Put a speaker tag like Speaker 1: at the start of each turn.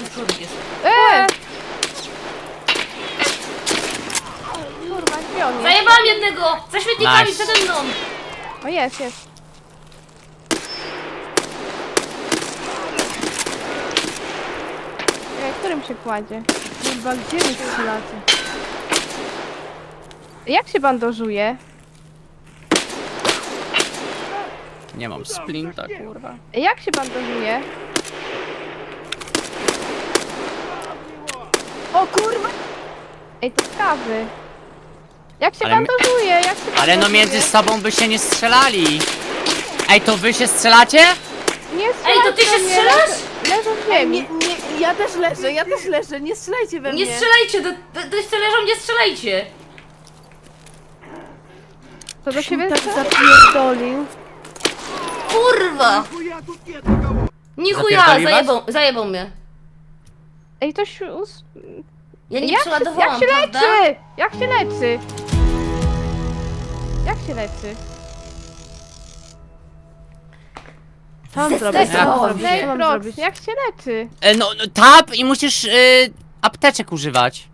Speaker 1: tu człowiek jest.
Speaker 2: Kurwa, gdzie on jest?
Speaker 1: Zajebałam jednego! Za śmietnikami
Speaker 3: Nice.
Speaker 1: przede mną!
Speaker 2: O, jest. Którym się kładzie?
Speaker 4: Kurwa, gdzie wy strzelacie?
Speaker 2: Jak się bandażuje?
Speaker 3: Nie mam splinta, kurwa.
Speaker 2: Jak się bandażuje?
Speaker 4: O kurwa!
Speaker 2: Ej, to skawy. Jak się
Speaker 3: Ale my-
Speaker 2: bandażuje? Jak się
Speaker 3: Ale no
Speaker 2: bandażuje?
Speaker 3: między sobą by się nie strzelali. Ej, to wy się strzelacie?
Speaker 2: Nie
Speaker 1: Ej, to ty się
Speaker 2: strzelajcie
Speaker 1: strzelasz?
Speaker 2: mnie, leżę w ziemi.
Speaker 4: Nie, ja też leżę, nie strzelajcie we mnie.
Speaker 1: Nie strzelajcie, do leżą, nie strzelajcie!
Speaker 2: To do siebie
Speaker 4: Tak
Speaker 2: strzela?
Speaker 4: zapierdolił.
Speaker 1: Kurwa! Nichuja,
Speaker 3: Zapierdoliłaś?
Speaker 1: zajebał mnie.
Speaker 2: Ej,
Speaker 1: Ja nie
Speaker 2: jak
Speaker 1: przeładowałam,
Speaker 2: się
Speaker 1: prawda?
Speaker 2: leczy? Jak się leczy? Jak się leczy?
Speaker 4: Co mam zrobić?
Speaker 1: Zestresowałam się.
Speaker 4: Co mam
Speaker 2: Prox,
Speaker 4: zrobić?
Speaker 2: jak się leczy?
Speaker 3: No, tap i musisz apteczek używać.